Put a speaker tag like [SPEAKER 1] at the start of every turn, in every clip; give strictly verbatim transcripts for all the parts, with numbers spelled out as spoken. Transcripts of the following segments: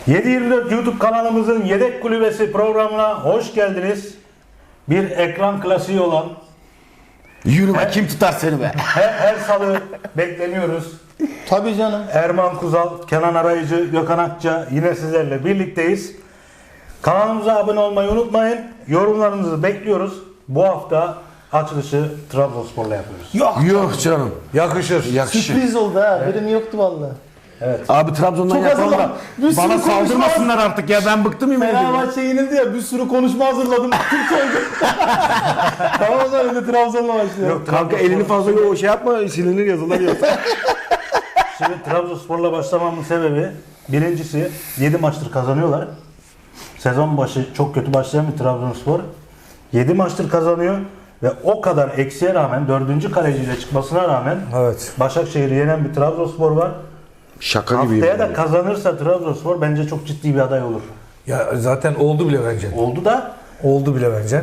[SPEAKER 1] yedi yirmi dört YouTube kanalımızın Yedek Kulübesi programına hoş geldiniz. Bir ekran klasiği olan
[SPEAKER 2] Yürü be, kim tutar seni be?
[SPEAKER 1] her, her salı bekleniyoruz.
[SPEAKER 3] Tabii canım.
[SPEAKER 1] Erman Kuzal, Kenan Arayıcı, Gökhan Akça yine sizlerle birlikteyiz. Kanalımıza abone olmayı unutmayın. Yorumlarınızı bekliyoruz. Bu hafta açılışı Trabzonspor'la yapıyoruz.
[SPEAKER 3] Yok.
[SPEAKER 2] Yok canım.
[SPEAKER 1] Yakışır.
[SPEAKER 2] Yakışır.
[SPEAKER 3] Sürpriz oldu ha. Benim yoktu vallahi.
[SPEAKER 2] Abi Trabzon'dan
[SPEAKER 3] Çok
[SPEAKER 2] yapalım da
[SPEAKER 3] hazırlan- bir sürü
[SPEAKER 2] bana
[SPEAKER 3] konuşma-
[SPEAKER 2] saldırmasınlar artık ya, ben bıktım yemin ediyorum.
[SPEAKER 3] Fenerbahçe yenildi ya, bir sürü konuşma hazırladım. Türk oldu. Tamam o zaman önce Trabzon'la başlayalım.
[SPEAKER 1] Yok,
[SPEAKER 2] Kanka elini fazla o şey yapma, silinir yazılar yok.
[SPEAKER 1] Şimdi Trabzonspor'la başlamamın sebebi birincisi yedi maçtır kazanıyorlar. Sezon başı çok kötü başlayan bir Trabzonspor yedi maçtır kazanıyor ve o kadar eksiğe rağmen dördüncü kaleciyle çıkmasına rağmen
[SPEAKER 4] Evet.
[SPEAKER 1] Başakşehir'i yenen bir Trabzonspor var.
[SPEAKER 2] Şaka gibi.
[SPEAKER 1] Haftaya da kazanırsa Trabzonspor bence çok ciddi bir aday olur.
[SPEAKER 4] Ya zaten oldu bile bence.
[SPEAKER 1] Oldu da
[SPEAKER 4] Oldu bile bence.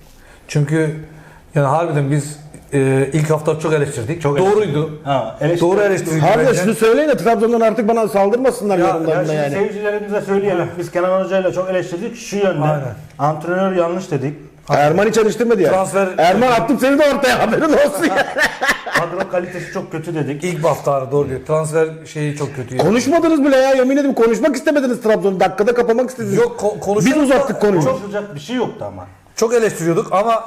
[SPEAKER 4] Çünkü yani harbiden biz e, ilk hafta çok eleştirdik.
[SPEAKER 1] Çok
[SPEAKER 4] Doğruydu.
[SPEAKER 1] ha, eleştiri-
[SPEAKER 4] Doğru eleştirdik
[SPEAKER 2] Abi de
[SPEAKER 4] bence.
[SPEAKER 2] şunu söyleyin de Trabzon'dan artık bana saldırmasınlar
[SPEAKER 1] Ya, ya
[SPEAKER 2] yorumlarında
[SPEAKER 1] şimdi
[SPEAKER 2] yani.
[SPEAKER 1] seyircilerimize söyleyelim. Biz Kenan Hoca'yla çok eleştirdik şu yönde.
[SPEAKER 4] Aynen.
[SPEAKER 1] Antrenör yanlış dedik.
[SPEAKER 2] Erman hiç eleştirmedi ya.
[SPEAKER 4] Transfer-
[SPEAKER 2] Erman attım seni de ortaya, haberin olsun ya.
[SPEAKER 1] Kadro kalitesi çok kötü dedik.
[SPEAKER 4] İlk hafta doğru diyor. Transfer şeyi çok kötü.
[SPEAKER 2] Konuşmadınız bile ya, yemin ederim konuşmak istemediniz Trabzon'u. Dakikada kapamak istediniz.
[SPEAKER 4] Yok ko- konuşuyorduk
[SPEAKER 2] Biz
[SPEAKER 4] da
[SPEAKER 2] uzattık konuyu.
[SPEAKER 1] Konuşulacak bir şey yoktu ama.
[SPEAKER 4] Çok eleştiriyorduk ama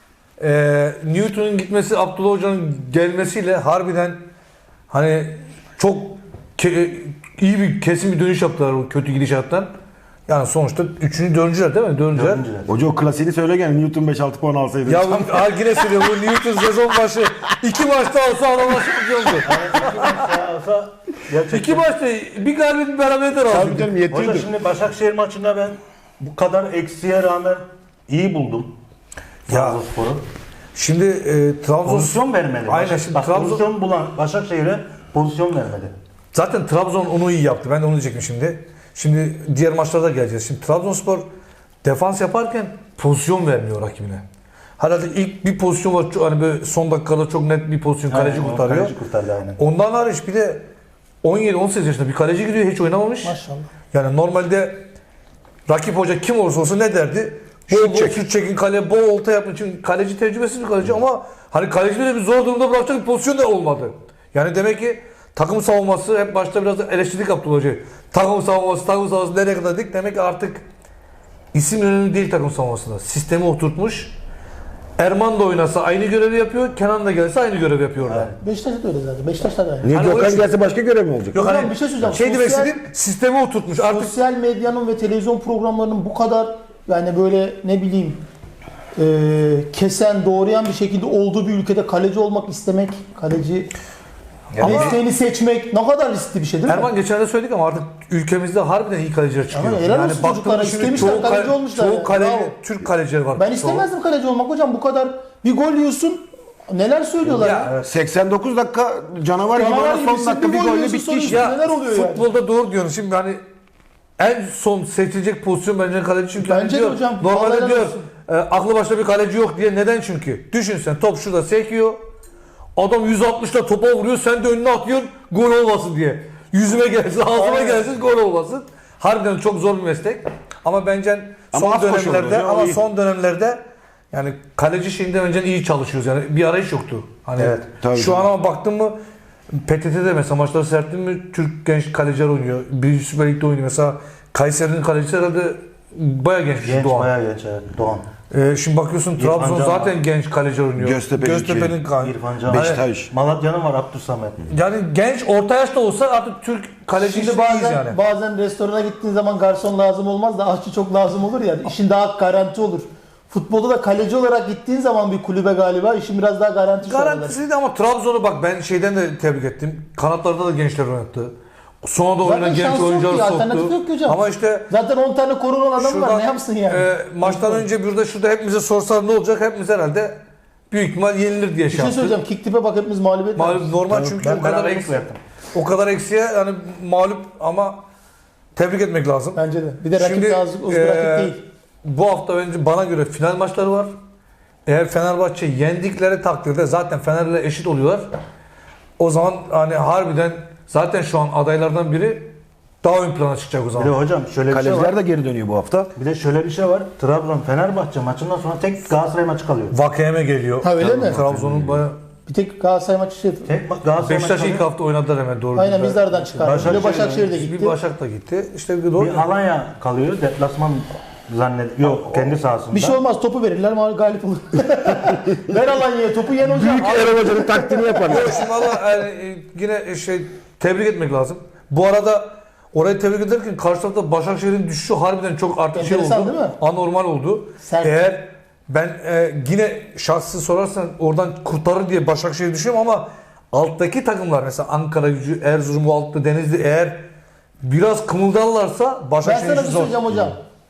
[SPEAKER 4] e, Newton'un gitmesi, Abdullah Hoca'nın gelmesiyle harbiden hani çok ke- iyi bir kesin bir dönüş yaptılar o kötü gidişattan. Yani sonuçta üçüncü, dördüncüler değil mi? Dördüncüler.
[SPEAKER 1] Dördüncüler.
[SPEAKER 2] Hoca o klasiğini söyle gene, Newton beş altı puan alsaydı.
[SPEAKER 4] Ya bu, ha, yine söylüyorum bu Newton sezon başı iki maçta olsa adamlar şampiyondu.
[SPEAKER 1] Olsa gerçekten.
[SPEAKER 4] İki maçta bir galibiyet bir beraberlik de
[SPEAKER 2] Tabii
[SPEAKER 4] razıydı.
[SPEAKER 2] canım,
[SPEAKER 1] Hoca
[SPEAKER 2] yetiyordu.
[SPEAKER 1] şimdi Başakşehir maçında ben bu kadar eksiğe rağmen iyi buldum.
[SPEAKER 4] Ya.
[SPEAKER 1] Trabzonspor'u.
[SPEAKER 4] Şimdi e, Trabzon
[SPEAKER 1] Pozisyon vermedi.
[SPEAKER 4] Aynen,
[SPEAKER 1] Başak-
[SPEAKER 4] şimdi
[SPEAKER 1] Bak,
[SPEAKER 4] Trabzon-
[SPEAKER 1] pozisyon bulan Başakşehir'e pozisyon vermedi.
[SPEAKER 4] zaten Trabzon onu iyi yaptı. Ben de onu diyecektim şimdi. Şimdi diğer maçlarda geleceğiz. Şimdi Trabzonspor defans yaparken pozisyon vermiyor rakibine. Herhalde ilk bir pozisyon var. çok- Hani böyle son dakikada çok net bir pozisyon kaleci
[SPEAKER 1] Aynen,
[SPEAKER 4] kurtarıyor.
[SPEAKER 1] Kaleci kurtardı aynen.
[SPEAKER 4] Ondan hariç bir de on yedi on sekiz yaşında bir kaleci giriyor, hiç oynamamış.
[SPEAKER 3] Maşallah.
[SPEAKER 4] Yani normalde rakip hoca kim olursa olsun ne derdi? Bol bol şut çekin kaleye, bol olta yapın. Çünkü kaleci tecrübesiz bir kaleci ama hani kaleci bile bir zor durumda bırakacak bir pozisyon da olmadı. Yani demek ki takım savunması, hep başta biraz da eleştirdik Abdullah Hoca'yı. Takım savunması, takım savunması nereye kadar dedik? Demek ki artık isim önemli değil takım savunmasında. Sistemi oturtmuş. Erman da oynasa aynı görevi yapıyor, Kenan da gelse aynı görevi yapıyor orada.
[SPEAKER 3] Beşiktaş'ta da öyle zaten. Beşiktaş'ta da aynı.
[SPEAKER 2] Niye
[SPEAKER 4] Hani o
[SPEAKER 2] Gökhan
[SPEAKER 4] için-
[SPEAKER 2] gelse başka görev mi olacak?
[SPEAKER 4] Yok
[SPEAKER 3] Hocam
[SPEAKER 4] hani
[SPEAKER 3] bir şey söyleyeceğim.
[SPEAKER 4] şey demek
[SPEAKER 3] Sosyal-
[SPEAKER 4] istediğim sistemi oturtmuş. Artık
[SPEAKER 3] Sosyal medyanın ve televizyon programlarının bu kadar yani böyle ne bileyim e, kesen, doğrayan bir şekilde olduğu bir ülkede kaleci olmak istemek, kaleci mesleğini seçmek ne kadar riskli bir şey değil mi?
[SPEAKER 4] Erman geçen de söyledik ama artık ülkemizde harbiden iyi kaleciler çıkıyor.
[SPEAKER 3] Ama helal olsun çocuklara,
[SPEAKER 4] şimdi
[SPEAKER 3] istemişler,
[SPEAKER 4] çoğu
[SPEAKER 3] kaleci
[SPEAKER 4] kale-
[SPEAKER 3] olmuşlar
[SPEAKER 4] Çoğu
[SPEAKER 3] yani.
[SPEAKER 4] kale,
[SPEAKER 3] Bravo.
[SPEAKER 4] Türk kalecileri var.
[SPEAKER 3] Ben
[SPEAKER 4] Çoğu.
[SPEAKER 3] istemezdim kaleci olmak hocam, bu kadar bir gol yiyorsun. Neler söylüyorlar ya?
[SPEAKER 4] Ya,
[SPEAKER 2] seksen dokuz dakika canavar gibi,
[SPEAKER 3] Canavar
[SPEAKER 2] oyna, son
[SPEAKER 3] gibisin,
[SPEAKER 2] dakika
[SPEAKER 3] bir
[SPEAKER 2] bir
[SPEAKER 3] gol
[SPEAKER 2] golle
[SPEAKER 3] yiyorsun,
[SPEAKER 2] bitti
[SPEAKER 3] sonra
[SPEAKER 2] iş.
[SPEAKER 3] üstüne neler oluyor yani?
[SPEAKER 4] futbolda doğru diyorsun. Şimdi hani en son seçilecek pozisyon bence kaleci çünkü
[SPEAKER 3] Bence
[SPEAKER 4] hani
[SPEAKER 3] de
[SPEAKER 4] diyor,
[SPEAKER 3] hocam,
[SPEAKER 4] normalde
[SPEAKER 3] vallahi
[SPEAKER 4] diyor
[SPEAKER 3] olsun.
[SPEAKER 4] e, aklı başta bir kaleci yok diye. Neden çünkü? Düşün sen, top şurada sekiyor. Adam yüz altmışla topa vuruyor, sen de önüne atıyorsun gol olmasın diye. Yüzüme gelsin, ağzıma
[SPEAKER 3] Aynen.
[SPEAKER 4] gelsin gol olmasın. Harbiden çok zor bir meslek. Ama bence
[SPEAKER 2] Ama
[SPEAKER 4] son
[SPEAKER 2] az koşuyorlar
[SPEAKER 4] dönemlerde
[SPEAKER 2] hocam,
[SPEAKER 4] ama
[SPEAKER 2] iyi.
[SPEAKER 4] son dönemlerde yani kaleci şeyinde bence iyi çalışıyoruz. Yani bir arayış yoktu. Hani
[SPEAKER 1] Evet,
[SPEAKER 2] tabii
[SPEAKER 4] şu
[SPEAKER 2] canım.
[SPEAKER 4] an ama baktın mı P T T'de mesela maçları seyrettin mi Türk genç kaleciler oynuyor. Birinci Süper Lig'de oynuyor. Mesela Kayseri'nin kalecisi herhalde bayağı genç,
[SPEAKER 1] Genç
[SPEAKER 4] Doğan.
[SPEAKER 1] bayağı genç evet. Doğan.
[SPEAKER 4] Ee, şimdi bakıyorsun
[SPEAKER 1] İrfan
[SPEAKER 4] Trabzon
[SPEAKER 1] Can
[SPEAKER 4] zaten
[SPEAKER 1] var.
[SPEAKER 4] genç kaleci oynuyor.
[SPEAKER 2] Göztepe'nin
[SPEAKER 4] Göztepe'nin kan-
[SPEAKER 1] İrfan Can.
[SPEAKER 2] Beşiktaş.
[SPEAKER 1] Malatya'nın var Abdülsamet.
[SPEAKER 4] Yani genç orta yaşta olsa artık Türk kaleci
[SPEAKER 3] Şimdi
[SPEAKER 4] işindeyiz
[SPEAKER 3] bazen,
[SPEAKER 4] yani.
[SPEAKER 3] bazen restorana gittiğin zaman garson lazım olmaz da aşçı çok lazım olur ya. İşin daha garanti olur. Futbolda da kaleci olarak gittiğin zaman bir kulübe galiba işin biraz daha garanti.
[SPEAKER 4] Garantisiydi ama Trabzon'u bak ben şeyden de tebrik ettim. Kanatlarda da gençler oynattı. Sonra da oynayan
[SPEAKER 3] Zaten
[SPEAKER 4] genç
[SPEAKER 3] şansı yok
[SPEAKER 4] oyuncular
[SPEAKER 3] ki, alternatif
[SPEAKER 4] soktu.
[SPEAKER 3] yok ki hocam.
[SPEAKER 4] Ama işte
[SPEAKER 3] Zaten on tane korunan adam var, ne yapsın yani?
[SPEAKER 4] e, maçtan önce burada şurada hepimize sorsalar ne olacak? Hepimiz herhalde büyük ihtimal yenilir diye
[SPEAKER 3] bir
[SPEAKER 4] şey
[SPEAKER 3] şey
[SPEAKER 4] yaptık.
[SPEAKER 3] söyleyeceğim. Kick tip'e bak, hepimiz mağlubiyet
[SPEAKER 4] Mağlup
[SPEAKER 3] vermişiz.
[SPEAKER 4] normal çünkü
[SPEAKER 1] Ben
[SPEAKER 4] o kadar
[SPEAKER 1] beraberlik
[SPEAKER 4] eksi,
[SPEAKER 1] verdim.
[SPEAKER 4] o kadar eksiye yani mağlup ama tebrik etmek lazım.
[SPEAKER 3] Bence de. Bir de rakip
[SPEAKER 4] Şimdi,
[SPEAKER 3] de az, az bir
[SPEAKER 4] e,
[SPEAKER 3] rakip değil.
[SPEAKER 4] Bu hafta bence bana göre final maçları var. Eğer Fenerbahçe yendikleri takdirde zaten Fener'le eşit oluyorlar. O zaman hani harbiden zaten şu an adaylardan biri daha ön plana çıkacak o
[SPEAKER 1] Bir de
[SPEAKER 4] zaman.
[SPEAKER 1] hocam şöyle bir şey
[SPEAKER 2] Kaleciler
[SPEAKER 1] var.
[SPEAKER 2] de geri dönüyor bu hafta.
[SPEAKER 1] Bir de şöyle bir şey var. Trabzon Fenerbahçe maçından sonra tek Galatasaray maçı kalıyor.
[SPEAKER 4] Vakeme geliyor.
[SPEAKER 3] Ha, öyle mi?
[SPEAKER 4] Trabzon'un bayağı...
[SPEAKER 3] Bir tek Galatasaray maçı şey.
[SPEAKER 1] Tek ma- Galatasaray
[SPEAKER 4] Beşiktaş
[SPEAKER 1] maçı
[SPEAKER 4] ilk
[SPEAKER 1] kalıyor.
[SPEAKER 4] hafta oynadılar hemen doğru.
[SPEAKER 3] Aynen
[SPEAKER 4] düzgün.
[SPEAKER 3] biz de aradan çıkardık. Bir de
[SPEAKER 1] Başakşehir-
[SPEAKER 3] Başakşehir de gitti.
[SPEAKER 4] Bir Başak da gitti. İşte doğru.
[SPEAKER 1] Bir Alanya kalıyor. Deplasman zannediyor. Yok kendi sahasında.
[SPEAKER 3] Bir şey olmaz, topu verirler mal galip olur. Ver Alanya'ya topu, yen hocam.
[SPEAKER 2] Büyük Erol Hoca'nın taktiğini yaparlar.
[SPEAKER 4] Yok, şimdi valla yani, e, yine şey tebrik etmek lazım. Bu arada orayı tebrik ederken karşı tarafta Başakşehir'in düşüşü harbiden çok artık şey
[SPEAKER 3] Enteresan
[SPEAKER 4] oldu.
[SPEAKER 3] değil mi?
[SPEAKER 4] Anormal oldu.
[SPEAKER 3] Sert.
[SPEAKER 4] Eğer ben e, yine şahsı sorarsan oradan kurtarır diye Başakşehir düşünüyorum ama alttaki takımlar mesela Ankara Gücü, Erzurum, bu altta Denizli eğer biraz kımıldarlarsa
[SPEAKER 3] Ben
[SPEAKER 4] Başakşehir
[SPEAKER 3] sana bir
[SPEAKER 4] işi
[SPEAKER 3] şey
[SPEAKER 4] zor.
[SPEAKER 3] söyleyeceğim hocam.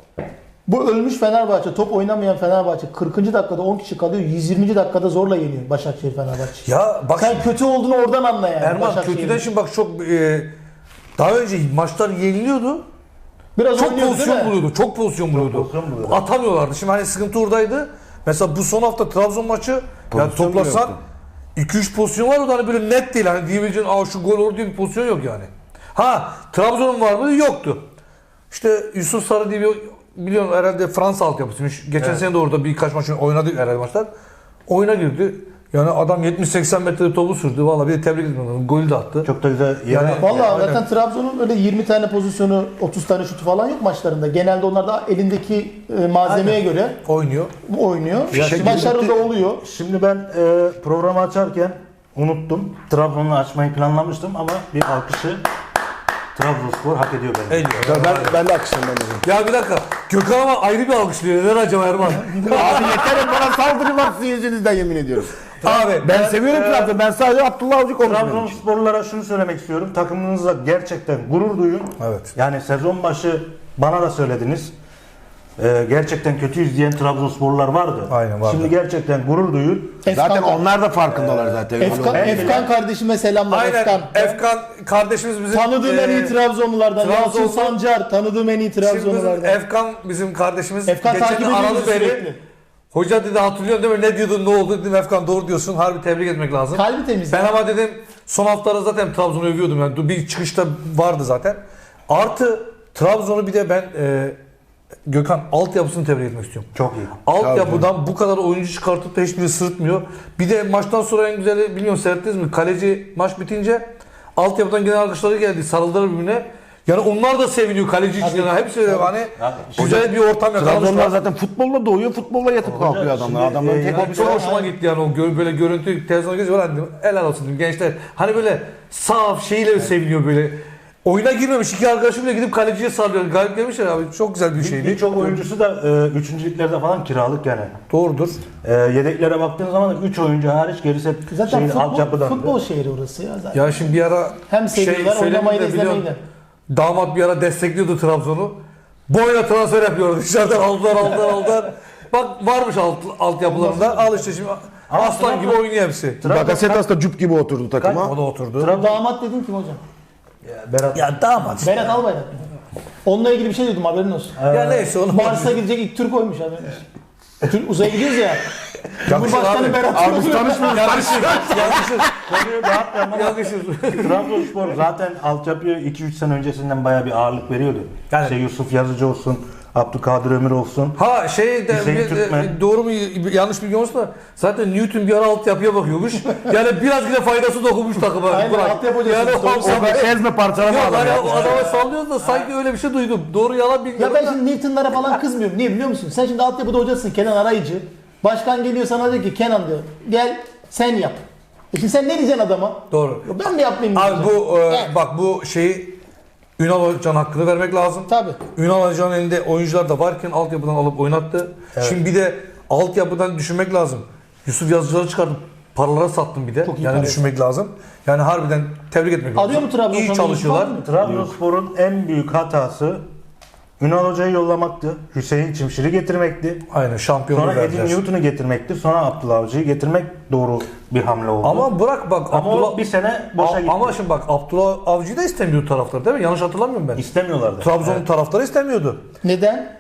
[SPEAKER 3] Bu ölmüş Fenerbahçe, top oynamayan Fenerbahçe kırkıncı dakikada on kişi kalıyor, yüz yirminci dakikada zorla yeniyor Başakşehir Fenerbahçe.
[SPEAKER 4] Ya bak
[SPEAKER 3] Sen kötü olduğunu oradan anla yani.
[SPEAKER 4] Erman
[SPEAKER 3] Başakşehir'in.
[SPEAKER 4] kötüden şimdi bak çok e, daha önce maçlar yeniliyordu.
[SPEAKER 3] Biraz
[SPEAKER 4] Çok
[SPEAKER 3] oynuyordu
[SPEAKER 4] pozisyon
[SPEAKER 3] değil mi?
[SPEAKER 4] buluyordu. Çok pozisyon buluyordu.
[SPEAKER 1] pozisyon buluyordu.
[SPEAKER 4] Atamıyorlardı. Şimdi hani sıkıntı oradaydı. Mesela bu son hafta Trabzon maçı yani
[SPEAKER 2] Pozisyon
[SPEAKER 4] toplasan
[SPEAKER 2] yoktu.
[SPEAKER 4] iki üç pozisyon var o da hani böyle net değil. Hani diyebileceğin aa şu gol olur diye bir pozisyon yok yani. Ha Trabzon'un var mı? Yoktu. İşte Yusuf Sarı diye bir biliyorum herhalde Fransa altyapısıymış. Geçen sene de orada birkaç maç oynadı herhalde maçlar. Oyuna girdi. Yani adam yetmiş seksen metre topu sürdü. Vallahi bir de tebrik ediyorum. Golü de attı.
[SPEAKER 1] Çok da güzel yere.
[SPEAKER 4] Yani-
[SPEAKER 3] Vallahi
[SPEAKER 4] Aynen.
[SPEAKER 3] zaten Trabzon'un öyle yirmi tane pozisyonu, otuz tane şutu falan yok maçlarında. Genelde onlar da elindeki e, malzemeye göre
[SPEAKER 4] Oynuyor.
[SPEAKER 3] oynuyor.
[SPEAKER 1] şimdi
[SPEAKER 3] Başarılı da
[SPEAKER 1] bitti.
[SPEAKER 3] oluyor.
[SPEAKER 1] Şimdi ben e, programı açarken unuttum. Trabzon'u açmayı planlamıştım ama bir alkışı Trabzonspor hak ediyor benim.
[SPEAKER 4] Ediyor.
[SPEAKER 2] Ben, ben de akışım ben de.
[SPEAKER 4] Ya bir dakika. Gökhan ama ayrı bir alkışlıyor. Neden acaba Erman?
[SPEAKER 2] Abi yeterim bana saldırı sizin yüzünüzden yemin ediyorum.
[SPEAKER 4] Abi
[SPEAKER 2] Ben seviyorum Trabzon'u. Ben sadece Abdullah Avcı konuşmuyorum.
[SPEAKER 1] Trabzonsporlulara şunu söylemek istiyorum. Takımınızla gerçekten gurur duyun.
[SPEAKER 4] Evet.
[SPEAKER 1] Yani sezon başı bana da söylediniz. Ee, gerçekten kötüyüz diyen Trabzonsporlular vardı.
[SPEAKER 4] Aynen, vardı.
[SPEAKER 1] Şimdi gerçekten gurur duyun.
[SPEAKER 2] Zaten
[SPEAKER 3] Efkan,
[SPEAKER 2] onlar da farkındalar zaten.
[SPEAKER 3] Efkan,
[SPEAKER 1] En
[SPEAKER 3] Efkan kardeşime selamlar.
[SPEAKER 4] Aynen.
[SPEAKER 3] Efkan.
[SPEAKER 4] Efkan kardeşimiz bizim
[SPEAKER 3] Tanıdığım en iyi
[SPEAKER 4] e,
[SPEAKER 3] Trabzonlulardan.
[SPEAKER 4] Trabzon-
[SPEAKER 3] Yalçın Sancar tanıdığım en iyi
[SPEAKER 4] şimdi bizim
[SPEAKER 3] Trabzonlulardan.
[SPEAKER 4] Efkan bizim kardeşimiz.
[SPEAKER 3] Efkan
[SPEAKER 4] Geçen
[SPEAKER 3] takip
[SPEAKER 4] de aradı
[SPEAKER 3] ediyoruz
[SPEAKER 4] beni.
[SPEAKER 3] sürekli.
[SPEAKER 4] Hoca dedi hatırlıyorsun değil mi? Ne diyordun ne oldu dedim. Efkan doğru diyorsun. Harbi tebrik etmek lazım.
[SPEAKER 3] Kalbi temiz.
[SPEAKER 4] Ben ama dedim son haftalarda zaten Trabzon'u övüyordum. Yani bir çıkışta vardı zaten. Artı Trabzon'u bir de ben e, Gökhan altyapısını tebrik etmek istiyorum.
[SPEAKER 1] Çok iyi.
[SPEAKER 4] Altyapıdan bu kadar oyuncu çıkartıp da hiçbiri sırıtmıyor. Bir de maçtan sonra en güzeli bilmiyorum seyrettiniz mi? Kaleci maç bitince altyapıdan gelen alkışları geldi. Sarıldılar birbirine. Yani onlar da seviniyor kaleci için. Yani hepsi öyle hani güzel bir ortam
[SPEAKER 2] Trabzonlar
[SPEAKER 4] yakalamışlar.
[SPEAKER 2] zaten futbolla doğuyor, futbolla yatıp kalkıyor adamlar.
[SPEAKER 1] şimdi,
[SPEAKER 2] Adamların
[SPEAKER 1] e,
[SPEAKER 2] tek
[SPEAKER 1] yani
[SPEAKER 2] hobisi
[SPEAKER 4] Çok
[SPEAKER 2] o.
[SPEAKER 4] hoşuma gitti yani o gö- böyle görüntü televizyona geziyor. Hani helal olsun dedim gençler. Hani böyle saf şeyle seviniyor böyle. Oyuna girmemiş iki arkadaşım bile gidip kaleciye sallıyor. Galip gelmişler abi. Çok güzel bir şeydi.
[SPEAKER 1] Birçok oyuncusu da e, üçüncü liglerde falan kiralık yani.
[SPEAKER 4] Doğrudur.
[SPEAKER 1] E, yedeklere baktığın zaman üç oyuncu hariç gerisi hep
[SPEAKER 3] Zaten
[SPEAKER 1] şeyin
[SPEAKER 3] futbol,
[SPEAKER 1] altyapıdan.
[SPEAKER 3] futbol şehri orası ya zaten.
[SPEAKER 4] Ya şimdi bir ara
[SPEAKER 3] Hem seviyorlar,
[SPEAKER 4] söyledim
[SPEAKER 3] oynamayı da
[SPEAKER 4] de
[SPEAKER 3] izlemeyi
[SPEAKER 4] biliyorsun,
[SPEAKER 3] de.
[SPEAKER 4] damat bir ara destekliyordu Trabzon'u. Boyuna transfer yapıyordu. Dışarıdan aldılar aldılar aldılar. Bak varmış alt, altyapılarında. Al işte şimdi aslan gibi oynuyor hepsi.
[SPEAKER 2] Bakasetas da cüp gibi oturdu takıma.
[SPEAKER 4] O da oturdu.
[SPEAKER 3] Damat dedin kim hocam?
[SPEAKER 1] Berat.
[SPEAKER 4] Ya damat.
[SPEAKER 3] Berat Albayrak. Onunla ilgili bir şey duydum, haberin olsun.
[SPEAKER 4] Ya neyse onu.
[SPEAKER 3] Mars'a gidecek ilk Türk oymuş haberin olsun. Türk uzaya gidiyoruz ya.
[SPEAKER 4] Yakışır
[SPEAKER 3] Cumhurbaşkanı
[SPEAKER 4] abi.
[SPEAKER 3] Berat
[SPEAKER 2] Abi biz
[SPEAKER 3] Albayrak.
[SPEAKER 2] tanışmıyoruz.
[SPEAKER 4] Yakışır. Yakışır.
[SPEAKER 1] Konuyu dağıtmayalım ama
[SPEAKER 4] Yakışır.
[SPEAKER 1] Trabzonspor zaten altyapıya iki üç sene öncesinden bayağı bir ağırlık veriyordu.
[SPEAKER 4] Yani-
[SPEAKER 1] İşte Yusuf Yazıcı olsun, Abdülkadir Ömür olsun.
[SPEAKER 4] Ha şey de,
[SPEAKER 1] Hüseyin
[SPEAKER 4] bir-
[SPEAKER 1] Türkmen.
[SPEAKER 4] e, doğru mu yanlış bilgi olsa da zaten Newton bir ara altyapıya bakıyormuş. Yani biraz bile faydası dokunmuş takıma.
[SPEAKER 3] Aynen,
[SPEAKER 4] Bırak.
[SPEAKER 3] altyapı hocası
[SPEAKER 4] Yani
[SPEAKER 3] işte,
[SPEAKER 4] o-
[SPEAKER 3] o-
[SPEAKER 2] O da ezme parçalama
[SPEAKER 4] Yok
[SPEAKER 2] adam
[SPEAKER 4] hani
[SPEAKER 2] ya.
[SPEAKER 4] o adama sallıyoruz da sanki öyle bir şey duydum. Doğru yalan bilmiyorum.
[SPEAKER 3] Ya ben şimdi Newton'lara falan kızmıyorum. Niye biliyor musun? Sen şimdi altyapıda hocasın, Kenan Arayıcı. Başkan geliyor sana diyor ki Kenan diyor gel sen yap. E şimdi sen ne diyeceksin adama?
[SPEAKER 4] Doğru.
[SPEAKER 3] Ya ben mi yapmayayım
[SPEAKER 4] Abi
[SPEAKER 3] diyeceksin.
[SPEAKER 4] bu e,
[SPEAKER 3] Evet.
[SPEAKER 4] bak bu şeyi Ünal Hoca'nın hakkını vermek lazım.
[SPEAKER 3] Tabii.
[SPEAKER 4] Ünal Hoca'nın elinde oyuncular da varken altyapıdan alıp oynattı. Şimdi bir de altyapıdan düşünmek lazım. Yusuf Yazıcıları çıkardım. Paralara sattım bir de.
[SPEAKER 3] Çok iyi
[SPEAKER 4] Yani
[SPEAKER 3] para.
[SPEAKER 4] düşünmek lazım. Yani harbiden tebrik etmek lazım.
[SPEAKER 3] Arıyor mu Trabzon
[SPEAKER 4] İyi
[SPEAKER 3] sana
[SPEAKER 4] çalışıyorlar.
[SPEAKER 3] Yusuf abi?
[SPEAKER 1] Trabzonspor'un en büyük hatası Ünal Hoca'yı yollamaktı. Hüseyin Çimşir'i getirmekti.
[SPEAKER 4] Aynen şampiyonluğu
[SPEAKER 1] Sonra Edin
[SPEAKER 4] verdiler.
[SPEAKER 1] Newton'u getirmekti. Sonra Abdullah Avcı'yı getirmek doğru bir hamle oldu.
[SPEAKER 4] Ama bırak bak
[SPEAKER 1] Ama
[SPEAKER 4] Abdullah
[SPEAKER 1] o bir sene boşa
[SPEAKER 4] A-
[SPEAKER 1] gitti.
[SPEAKER 4] Ama şimdi bak Abdullah Avcı'yı da istemiyordu taraftar değil mi? Yanlış hatırlamıyorum ben.
[SPEAKER 1] İstemiyorlardı.
[SPEAKER 4] Trabzon'un
[SPEAKER 1] Evet.
[SPEAKER 4] taraftarı istemiyordu.
[SPEAKER 3] Neden?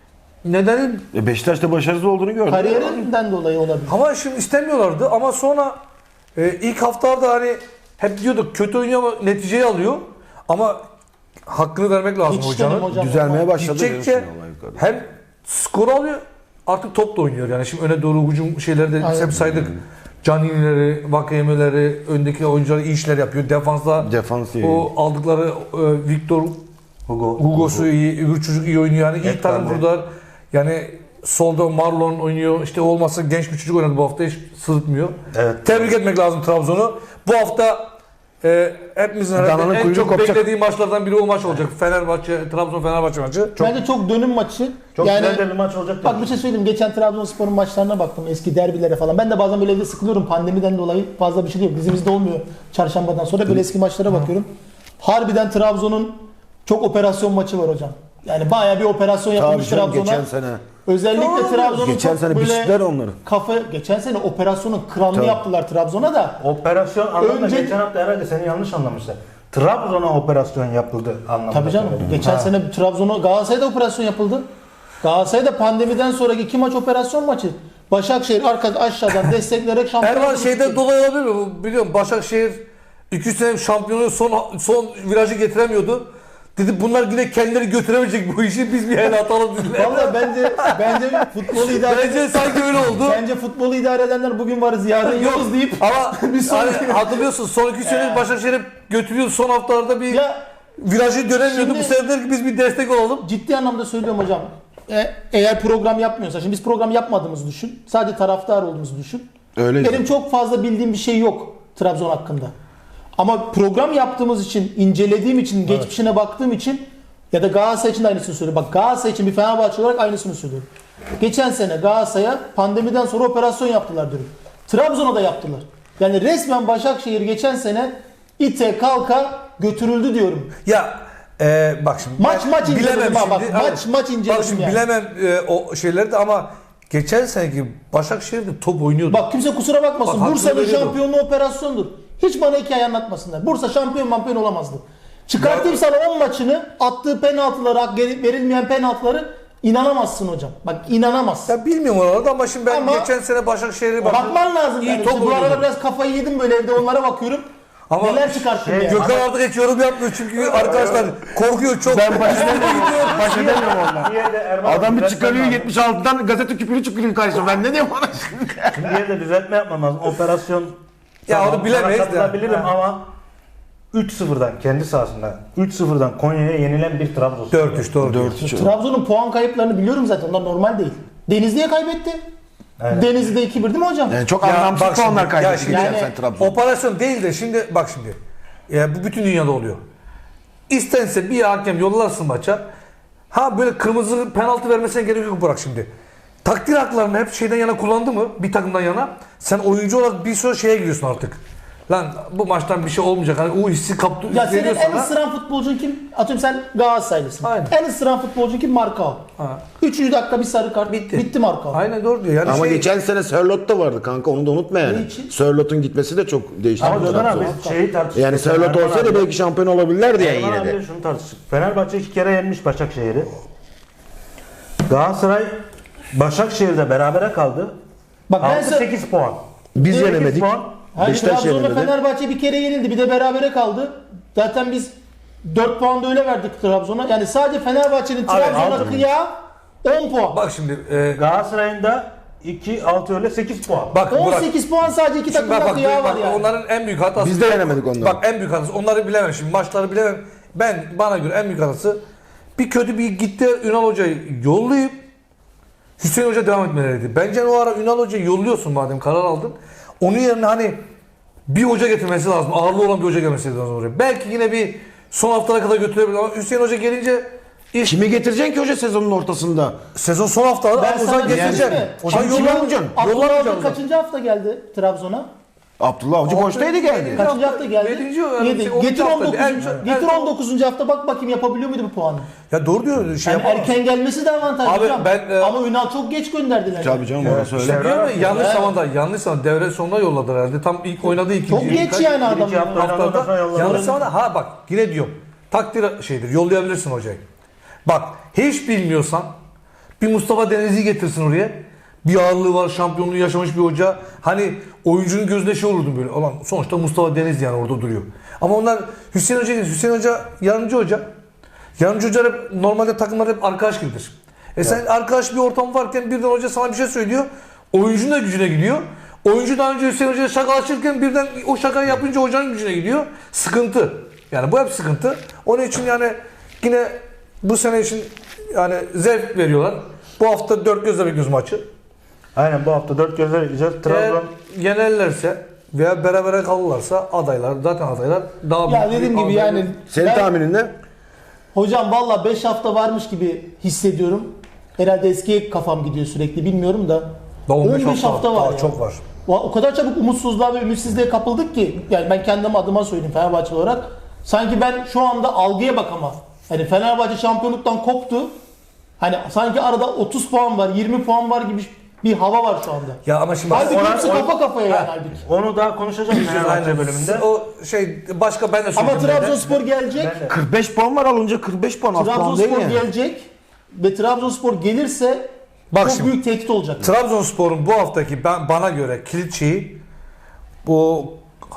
[SPEAKER 4] Nedeni
[SPEAKER 2] E, Beşiktaş'ta başarısız olduğunu gördüm.
[SPEAKER 3] Kariyerinden dolayı olabilir.
[SPEAKER 4] ama şimdi istemiyorlardı ama sonra e, ilk haftalarda hani hep diyorduk kötü oynuyor ama neticeyi alıyor. Ama hakkını vermek lazım
[SPEAKER 3] Hiç
[SPEAKER 4] hocanın.
[SPEAKER 3] dedim hocam.
[SPEAKER 2] Düzelmeye başladı.
[SPEAKER 4] Gidecekçe
[SPEAKER 2] diyorsun olay yukarı.
[SPEAKER 4] hem skor alıyor artık top da oynuyor. Yani şimdi öne doğru hücum şeyleri de
[SPEAKER 3] Aynen.
[SPEAKER 4] hep saydık. Caninileri, Vakayemeleri, öndeki oyuncular iyi işler yapıyor. Defansta
[SPEAKER 2] Defans iyi.
[SPEAKER 4] o aldıkları e, Victor
[SPEAKER 1] Hugo.
[SPEAKER 4] Hugo'su iyi, öbür çocuk iyi oynuyor. Yani iyi
[SPEAKER 1] Hep
[SPEAKER 4] takım
[SPEAKER 1] bende.
[SPEAKER 4] kurdular. Yani solda Marlon oynuyor. İşte olmazsa genç bir çocuk oynadı bu hafta hiç sırıtmıyor.
[SPEAKER 1] Evet.
[SPEAKER 4] Tebrik etmek lazım Trabzon'u. Bu hafta e, hepimizin herhalde
[SPEAKER 2] Dananın
[SPEAKER 4] en
[SPEAKER 2] kuyruğu
[SPEAKER 4] çok
[SPEAKER 2] kopacak.
[SPEAKER 4] beklediği maçlardan biri o maç olacak. Fenerbahçe, Trabzon-Fenerbahçe maçı. Çok
[SPEAKER 3] Bence çok dönüm maçı.
[SPEAKER 1] Çok
[SPEAKER 3] yani,
[SPEAKER 1] güzel de bir maç olacak.
[SPEAKER 3] Bak bir şey söyleyeyim. Geçen Trabzonspor'un maçlarına baktım. Eski derbilere falan. Ben de bazen böyle evde sıkılıyorum. Pandemiden dolayı fazla bir şey yok. Dizimizde olmuyor. Çarşambadan sonra böyle eski maçlara bakıyorum. Harbiden Trabzon'un çok operasyon maçı var hocam. Yani bayağı bir operasyon
[SPEAKER 2] Tabii
[SPEAKER 3] yapılmış
[SPEAKER 2] canım,
[SPEAKER 3] Trabzon'a.
[SPEAKER 2] geçen sene.
[SPEAKER 3] Özellikle
[SPEAKER 4] Doğru.
[SPEAKER 3] Trabzon'un
[SPEAKER 2] Geçen
[SPEAKER 3] çok
[SPEAKER 2] sene
[SPEAKER 3] böyle
[SPEAKER 2] biçtiler onları.
[SPEAKER 3] kafa geçen sene operasyonun kralını
[SPEAKER 2] Tabii.
[SPEAKER 3] yaptılar Trabzon'a da.
[SPEAKER 1] Operasyon anlamında
[SPEAKER 3] Önce-
[SPEAKER 1] geçen hafta herhalde seni yanlış anlamışlar. Trabzon'a operasyon yapıldı anlamında.
[SPEAKER 3] Tabii canım.
[SPEAKER 1] söyledim.
[SPEAKER 3] Geçen
[SPEAKER 1] Ha.
[SPEAKER 3] sene Trabzon'a Galatasaray'da operasyon yapıldı. Galatasaray'da pandemiden sonraki iki maç operasyon maçı. Başakşehir arka aşağıdan destekleyerek şampiyon
[SPEAKER 4] Erman
[SPEAKER 3] oldu.
[SPEAKER 4] şeyden dolayı olabilir mi? Bu Biliyorum Başakşehir iki sene şampiyonu son son virajı getiremiyordu. Dedi bunlar yine kendileri götüremeyecek bu işi biz bir el atalım dediler.
[SPEAKER 3] Valla bence bence futbolu idare
[SPEAKER 4] Bence sanki öyle oldu.
[SPEAKER 3] bence futbolu idare edenler bugün varız yarın
[SPEAKER 4] Yok
[SPEAKER 3] yokuz deyip
[SPEAKER 4] ama
[SPEAKER 3] bir sonraki-
[SPEAKER 4] hani hatırlıyorsun son iki sene Başakşehir'e götürüyordu son haftalarda bir
[SPEAKER 3] ya
[SPEAKER 4] virajı dönemiyordu.
[SPEAKER 3] Şimdi-
[SPEAKER 4] Bu sefer dedi ki biz bir destek olalım.
[SPEAKER 3] ciddi anlamda söylüyorum hocam. E, eğer program yapmıyorsa şimdi biz program yapmadığımızı düşün. Sadece taraftar olduğumuzu düşün.
[SPEAKER 2] Öyle.
[SPEAKER 3] Benim çok fazla bildiğim bir şey yok Trabzon hakkında. Ama program yaptığımız için, incelediğim için, geçmişine baktığım için ya da Galatasaray için de aynısını söylüyorum. Bak Galatasaray için bir Fenerbahçe olarak aynısını söylüyorum. Geçen sene Galatasaray'a pandemiden sonra operasyon yaptılar diyorum. Trabzon'a da yaptılar. Yani resmen Başakşehir geçen sene ite kalka götürüldü diyorum.
[SPEAKER 4] Ya e, bak şimdi
[SPEAKER 3] Maç
[SPEAKER 4] ben
[SPEAKER 3] maç inceledim
[SPEAKER 4] bilemem
[SPEAKER 3] ha bak.
[SPEAKER 4] şimdi.
[SPEAKER 3] Maç
[SPEAKER 4] Evet.
[SPEAKER 3] maç inceledim
[SPEAKER 4] Bak şimdi
[SPEAKER 3] yani.
[SPEAKER 4] bilemem e, o şeyleri de ama geçen seneki Başakşehir'de top oynuyordu.
[SPEAKER 3] Bak kimse kusura bakmasın.
[SPEAKER 4] Bak, hakkını
[SPEAKER 3] Bursa'nın
[SPEAKER 4] veriyorum.
[SPEAKER 3] şampiyonluğu operasyondur. Hiç bana hikaye anlatmasınlar. Bursa şampiyon mampiyon olamazdı. Çıkartayım sana on maçını, attığı penaltıları, geri- verilmeyen penaltıları inanamazsın hocam. Bak inanamazsın.
[SPEAKER 4] Ya bilmiyorum oralarda ama şimdi ben
[SPEAKER 3] Ama-
[SPEAKER 4] geçen sene Başakşehir'e baktım.
[SPEAKER 3] Bakman lazım
[SPEAKER 4] İyi
[SPEAKER 3] yani.
[SPEAKER 4] top
[SPEAKER 3] İşte bu arada
[SPEAKER 4] oynuyordu.
[SPEAKER 3] biraz kafayı yedim böyle evde onlara bakıyorum.
[SPEAKER 4] Ama
[SPEAKER 3] Neler çıkarttım yani.
[SPEAKER 4] Gökhan artık hiç yorum yapmıyor çünkü arkadaşlar korkuyor çok.
[SPEAKER 2] Ben baş edemiyorum. Baş edemiyorum onunla.
[SPEAKER 1] Bir yerde Erman
[SPEAKER 2] Adam bir
[SPEAKER 1] düzeltmem
[SPEAKER 2] çıkarıyor
[SPEAKER 1] lazım.
[SPEAKER 2] yetmiş altıdan gazete küpürü çıkıyor karşısına. Ben ne diyeyim ona şimdi?
[SPEAKER 1] Şimdi bir yerde düzeltme yapmam lazım. Operasyon
[SPEAKER 4] Ya
[SPEAKER 1] tamam,
[SPEAKER 4] onu bilemeyiz
[SPEAKER 1] sana
[SPEAKER 4] de.
[SPEAKER 1] katılabilirim ama üç sıfırdan kendi sahasında üç sıfırdan Konya'ya yenilen bir Trabzonspor.
[SPEAKER 4] dört üç doğru.
[SPEAKER 2] dört üç.
[SPEAKER 3] Trabzon'un puan kayıplarını biliyorum zaten. Onlar normal değil. Denizli'ye kaybetti.
[SPEAKER 1] Aynen.
[SPEAKER 3] Denizli'de iki bir değil mi hocam?
[SPEAKER 2] Yani çok
[SPEAKER 4] Ya
[SPEAKER 2] anlamsız
[SPEAKER 4] bak şimdi,
[SPEAKER 2] puanlar
[SPEAKER 4] ya
[SPEAKER 2] kaybetti
[SPEAKER 4] şimdi-
[SPEAKER 2] geçen
[SPEAKER 3] Yani-
[SPEAKER 2] sene Trabzon.
[SPEAKER 4] Operasyon değil de şimdi bak şimdi. Ya bu bütün dünyada oluyor. İstense bir hakem yollarsın maça. Ha böyle kırmızı penaltı vermesine gerek yok bırak şimdi. Takdir haklarını hep şeyden yana kullandı mı? Bir takımdan yana. Sen oyuncu olarak bir sürü şeye giriyorsun artık. Lan bu maçtan bir şey olmayacak. Hani o hissi kaptı.
[SPEAKER 3] Ya senin
[SPEAKER 4] veriyor
[SPEAKER 3] en
[SPEAKER 4] sana.
[SPEAKER 3] ısıran futbolcun kim? Atıyorum sen Galatasaraylısın.
[SPEAKER 4] Aynen.
[SPEAKER 3] En ısıran futbolcun kim? Markao.
[SPEAKER 4] Ha.
[SPEAKER 3] Üçüncü dakika bir sarı kart.
[SPEAKER 4] Bitti.
[SPEAKER 3] Bitti Markao.
[SPEAKER 4] Aynen doğru diyor. Yani
[SPEAKER 2] Ama
[SPEAKER 4] şey,
[SPEAKER 2] geçen sene Sörloth da vardı kanka, onu da unutma yani.
[SPEAKER 3] Ne için?
[SPEAKER 2] Sörloth'un gitmesi de çok değiştirdi.
[SPEAKER 1] Ama Gökhan abi
[SPEAKER 2] Trabzon'u.
[SPEAKER 1] şeyi tartıştık.
[SPEAKER 2] Yani Sörloth
[SPEAKER 1] Erman
[SPEAKER 2] olsaydı
[SPEAKER 1] abi-
[SPEAKER 2] belki şampiyon olabilirlerdi yani
[SPEAKER 1] Erman
[SPEAKER 2] yine de.
[SPEAKER 1] abiyle şunu tartıştık. Fenerbahçe iki kere yenmiş Başakşehir'i. Galatasaray Başakşehir'de berabere kaldı.
[SPEAKER 3] Bak ben
[SPEAKER 1] altı
[SPEAKER 3] size...
[SPEAKER 1] sekiz puan.
[SPEAKER 2] Biz
[SPEAKER 1] sekiz
[SPEAKER 2] yenemedik.
[SPEAKER 1] puan.
[SPEAKER 3] Hayır,
[SPEAKER 2] Beşiktaş
[SPEAKER 3] Trabzon'la
[SPEAKER 2] yenemedi.
[SPEAKER 3] Fenerbahçe bir kere yenildi. Bir de berabere kaldı. Zaten biz dört puan da öyle verdik Trabzon'a. Yani sadece Fenerbahçe'nin
[SPEAKER 1] Abi,
[SPEAKER 3] Trabzon'a
[SPEAKER 1] altı-
[SPEAKER 3] kıyağı on puan.
[SPEAKER 4] bak şimdi e,
[SPEAKER 1] Galatasaray'ın da iki altı öyle sekiz puan.
[SPEAKER 4] bak Burak.
[SPEAKER 3] on sekiz puan sadece iki
[SPEAKER 4] Şimdi bak,
[SPEAKER 3] takımda
[SPEAKER 4] bak,
[SPEAKER 3] kıyağı
[SPEAKER 4] bak,
[SPEAKER 3] var yani.
[SPEAKER 4] onların en büyük hatası.
[SPEAKER 2] Biz de yenemedik onları.
[SPEAKER 4] Bak en büyük hatası. Onları bilemem şimdi. Maçları bilemem. Ben bana göre en büyük hatası bir kötü bir gitti Ünal Hoca'yı yollayıp Hüseyin Hoca devam etmeleriydi. Bence o ara Ünal Hoca'yı yolluyorsun madem karar aldın. Onun yerine hani bir hoca getirmesi lazım. Ağırlı olan bir hoca gelmesi lazım oraya. Belki yine bir son haftalara kadar götürebilir ama Hüseyin Hoca gelince iş
[SPEAKER 2] Kimi getireceksin ki hoca sezonun ortasında?
[SPEAKER 4] sezon son haftaları
[SPEAKER 3] Ben
[SPEAKER 4] Ozan
[SPEAKER 3] sana diyeyim
[SPEAKER 4] getirecek.
[SPEAKER 3] mi?
[SPEAKER 4] Ozan
[SPEAKER 2] Kim- kim
[SPEAKER 4] yollamayacaksın.
[SPEAKER 2] alacaksın?
[SPEAKER 3] Abdullah
[SPEAKER 4] Yollamayacaksın.
[SPEAKER 3] Avcı kaçıncı hafta geldi Trabzon'a?
[SPEAKER 2] Abdullah Avcı boştaydı geldi.
[SPEAKER 3] Kaçıncı hafta geldi?
[SPEAKER 4] Yedinci yani
[SPEAKER 3] Yedi.
[SPEAKER 4] şey, onuncu
[SPEAKER 3] Getir
[SPEAKER 4] hafta.
[SPEAKER 3] on dokuzuncu.
[SPEAKER 4] En-
[SPEAKER 3] Getir
[SPEAKER 4] en-
[SPEAKER 3] on dokuzuncu hafta bak bakayım yapabiliyor muydu bu puanı?
[SPEAKER 4] Ya doğru diyor. Şey
[SPEAKER 3] Yani
[SPEAKER 4] yapamaz.
[SPEAKER 3] erken gelmesi de avantaj
[SPEAKER 4] Abi
[SPEAKER 3] hocam.
[SPEAKER 4] ben, e,
[SPEAKER 3] Ama Ünal çok geç gönderdiler.
[SPEAKER 2] Tabii canım orası öyle.
[SPEAKER 4] İşte diyor mu? Yanlış
[SPEAKER 3] Evet.
[SPEAKER 4] zamanda, yanlış zamanda devre sonuna yolladılar herhalde. Tam ilk oynadığı ikinci.
[SPEAKER 3] Çok geç yani adam.
[SPEAKER 1] İkinci hafta oynanandan sonra
[SPEAKER 4] haftada.
[SPEAKER 1] yolladılar.
[SPEAKER 4] Yanlış zamanda. Ha bak yine diyorum. Takdir şeydir. Yollayabilirsin hocayı. Bak hiç bilmiyorsan bir Mustafa Denizli'yi getirsin oraya. Bir ağırlığı var, şampiyonluğu yaşamış bir hoca. Hani oyuncunun gözünde şey olurdu böyle. Ulan sonuçta Mustafa Denizli yani orada duruyor. Ama onlar Hüseyin Hoca, Hüseyin Hoca yardımcı hoca. Yardımcı hocalar hep, normalde takımlar hep arkadaş gibidir. E sen arkadaş bir ortam varken birden hoca sana bir şey söylüyor. Oyuncunun da gücüne gidiyor. Oyuncu daha önce Hüseyin Hoca'ya şakalaşırken birden o şakayı yapınca hocanın gücüne gidiyor. Sıkıntı. Yani bu hep sıkıntı. Onun için yani yine bu sene için yani zevk veriyorlar. Bu hafta dört gözle bekliyoruz maçı.
[SPEAKER 1] Aynen bu hafta dört gözle gideceğiz.
[SPEAKER 4] Eğer
[SPEAKER 1] Trabzon
[SPEAKER 4] yenerlerse veya berabere kalırlarsa adaylar, zaten adaylar daha
[SPEAKER 3] Ya
[SPEAKER 4] büyük
[SPEAKER 3] dediğim
[SPEAKER 4] bir
[SPEAKER 3] gibi
[SPEAKER 4] aday-
[SPEAKER 3] yani
[SPEAKER 2] Senin
[SPEAKER 3] ben-
[SPEAKER 2] tahminin ne?
[SPEAKER 3] Hocam valla beş hafta varmış gibi hissediyorum. Herhalde eskiye kafam gidiyor sürekli bilmiyorum da.
[SPEAKER 4] Daha on beş
[SPEAKER 3] on beş hafta var
[SPEAKER 4] daha
[SPEAKER 3] ya.
[SPEAKER 4] çok var.
[SPEAKER 3] Va- O kadar çabuk umutsuzluğa ve ümitsizliğe kapıldık ki yani ben kendim adıma söyleyeyim Fenerbahçe olarak. Sanki ben şu anda algıya bakamam. Hani Fenerbahçe şampiyonluktan koptu. Hani sanki arada otuz puan var, yirmi puan var gibi bir hava var şu anda.
[SPEAKER 4] Ya ama şimdi
[SPEAKER 3] Halbuki
[SPEAKER 1] ona-
[SPEAKER 3] hepsi
[SPEAKER 1] ona-
[SPEAKER 3] kafa kafaya yani halbuki.
[SPEAKER 1] onu daha konuşacağız Fenerbahçe bölümünde.
[SPEAKER 4] O şey başka ben de
[SPEAKER 3] Ama
[SPEAKER 4] söyleyeyim.
[SPEAKER 3] Trabzonspor gelecek.
[SPEAKER 1] Ben de.
[SPEAKER 2] kırk beş puan var alınca kırk beş puan az puan değil
[SPEAKER 3] Trabzonspor
[SPEAKER 2] mi?
[SPEAKER 3] gelecek ve Trabzonspor gelirse
[SPEAKER 4] Bak
[SPEAKER 3] çok
[SPEAKER 4] şimdi,
[SPEAKER 3] büyük tehdit olacak.
[SPEAKER 4] Trabzonspor'un bu haftaki ben bana göre kilit şeyi bu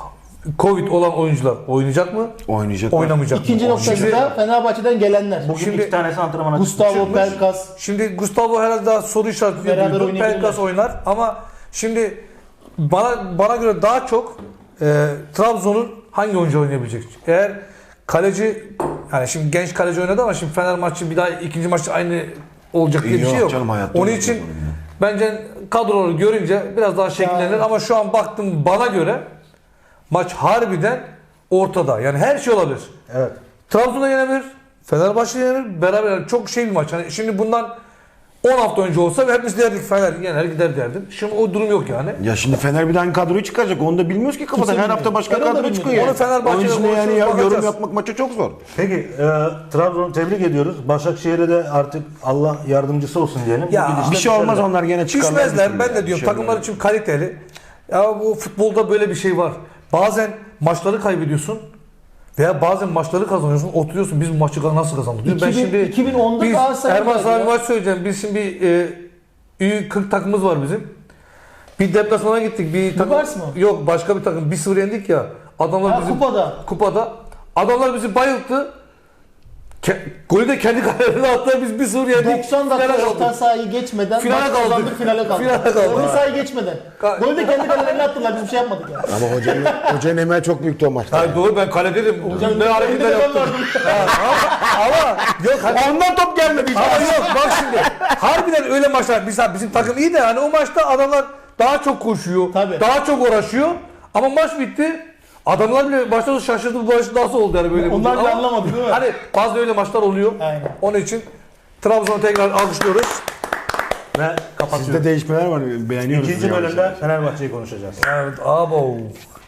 [SPEAKER 4] Covid olan oyuncular oynayacak mı?
[SPEAKER 2] Oynayacak.
[SPEAKER 4] Oynamayacak
[SPEAKER 3] İkinci
[SPEAKER 4] mı?
[SPEAKER 3] noktası
[SPEAKER 4] Şimdi,
[SPEAKER 3] da Fenerbahçe'den gelenler.
[SPEAKER 1] Bugün
[SPEAKER 4] Şimdi-
[SPEAKER 1] iki tanesi antrenmana
[SPEAKER 3] Gustavo
[SPEAKER 1] çıkmış.
[SPEAKER 3] Pelkas.
[SPEAKER 4] şimdi Gustavo herhalde daha soru işareti diye
[SPEAKER 3] Beraber
[SPEAKER 4] duydum.
[SPEAKER 3] oynayabilirler.
[SPEAKER 4] Pelkas oynar ama şimdi bana bana göre daha çok e, Trabzon'un hangi oyuncu oynayabilecek? Eğer kaleci yani şimdi genç kaleci oynadı ama şimdi Fener maçı bir daha ikinci maçta aynı olacak diye bir
[SPEAKER 2] Yok
[SPEAKER 4] şey yok.
[SPEAKER 2] canım, hayatta
[SPEAKER 4] Onun
[SPEAKER 2] olmaz
[SPEAKER 4] için
[SPEAKER 2] öyle.
[SPEAKER 4] bence kadroları görünce biraz daha şekillenir
[SPEAKER 3] Ya.
[SPEAKER 4] ama şu an baktım bana göre maç harbiden ortada. Yani her şey olabilir.
[SPEAKER 1] Evet.
[SPEAKER 4] Trabzon'da yenebilir, Fenerbahçe yenebilir, beraber yani çok şey bir maç. Hani şimdi bundan on hafta önce olsa hepimiz derdik Fener yener gider derdim. Şimdi o durum yok yani.
[SPEAKER 2] Ya şimdi Fener bir daha hangi kadroyu çıkaracak onu da bilmiyoruz ki kafadan.
[SPEAKER 3] Kimse
[SPEAKER 2] Her hafta
[SPEAKER 3] bilmiyor.
[SPEAKER 2] başka
[SPEAKER 3] Ben onu da
[SPEAKER 2] kadro
[SPEAKER 3] bilmiyorum.
[SPEAKER 2] çıkıyor.
[SPEAKER 4] Onu Fenerbahçe'de
[SPEAKER 2] Onun için de yani
[SPEAKER 4] konuşuyoruz,
[SPEAKER 2] ya, yorum
[SPEAKER 4] bakacağız.
[SPEAKER 2] yapmak maça çok zor.
[SPEAKER 1] Peki e, Trabzon'u tebrik ediyoruz. Başakşehir'e de artık Allah yardımcısı olsun diyelim.
[SPEAKER 4] Ya,
[SPEAKER 1] Bu gidişle
[SPEAKER 2] Bir şey olmaz
[SPEAKER 1] düşerler.
[SPEAKER 2] onlar gene çıkarlar.
[SPEAKER 4] Düşmezler. Ben de
[SPEAKER 2] Bir
[SPEAKER 4] diyorum
[SPEAKER 2] şey
[SPEAKER 4] takımlar
[SPEAKER 2] olmaz.
[SPEAKER 4] için kaliteli. Ya bu futbolda böyle bir şey var. Bazen maçları kaybediyorsun veya bazen maçları kazanıyorsun. Oturuyorsun biz bu maçı nasıl kazandık? diyorum. Ben
[SPEAKER 3] iki bin
[SPEAKER 4] şimdi
[SPEAKER 3] iki bin onda
[SPEAKER 4] biz
[SPEAKER 3] Galatasaray'da
[SPEAKER 4] Erman sana
[SPEAKER 3] ya.
[SPEAKER 4] bir maç söyleyeceğim. Biz şimdi e, Ü kırk takımımız var bizim. Bir deplasmana gittik. Bir takım,
[SPEAKER 3] Bugars mı?
[SPEAKER 4] Yok başka bir takım. bir sıfır yendik ya. Adamlar
[SPEAKER 3] Ha,
[SPEAKER 4] bizi
[SPEAKER 3] kupada.
[SPEAKER 4] kupada. Adamlar bizi bayılttı. Ke, golü de kendi kalelerine attılar. Biz bir sıfır yendik.
[SPEAKER 3] doksan dakika
[SPEAKER 4] Finale
[SPEAKER 3] orta
[SPEAKER 4] kaldık.
[SPEAKER 3] sahayı geçmeden
[SPEAKER 4] Finale
[SPEAKER 3] maç
[SPEAKER 4] kaldık.
[SPEAKER 3] kazandık, finale kaldık.
[SPEAKER 4] Finale kaldık.
[SPEAKER 3] Orta sahayı geçmeden.
[SPEAKER 4] Ka-
[SPEAKER 3] Golü de kendi kalelerine attılar biz bir şey yapmadık yani.
[SPEAKER 2] Ama hocanın, hocanın emeği çok büyüktü o maçta.
[SPEAKER 4] Hayır doğru ben kaledeydim.
[SPEAKER 3] Hocam,
[SPEAKER 4] ne hareketler
[SPEAKER 3] önünde ben
[SPEAKER 4] yaptım.
[SPEAKER 3] vardım.
[SPEAKER 4] Ha, ama, ama yok hani,
[SPEAKER 2] Ondan top gelmedi.
[SPEAKER 4] ama yok bak şimdi. Harbiden öyle maçlar. Mesela bizim takım iyi de hani o maçta adamlar daha çok koşuyor.
[SPEAKER 3] Tabii.
[SPEAKER 4] Daha çok uğraşıyor. Ama maç bitti. Adamlar bile başta da şaşırdı bu maç nasıl oldu yani böyle.
[SPEAKER 3] Onlar
[SPEAKER 4] Ama
[SPEAKER 3] bile anlamadı değil mi?
[SPEAKER 4] Hani bazı öyle maçlar oluyor.
[SPEAKER 3] Aynen.
[SPEAKER 4] Onun için Trabzon'u tekrar alkışlıyoruz.
[SPEAKER 1] Ve
[SPEAKER 2] Sizde
[SPEAKER 1] kapatıyoruz.
[SPEAKER 2] değişmeler var. Beğeniyoruz.
[SPEAKER 1] İkinci
[SPEAKER 2] yavaş
[SPEAKER 1] bölümde
[SPEAKER 2] yavaş.
[SPEAKER 1] Fenerbahçe'yi konuşacağız.
[SPEAKER 4] Evet abo.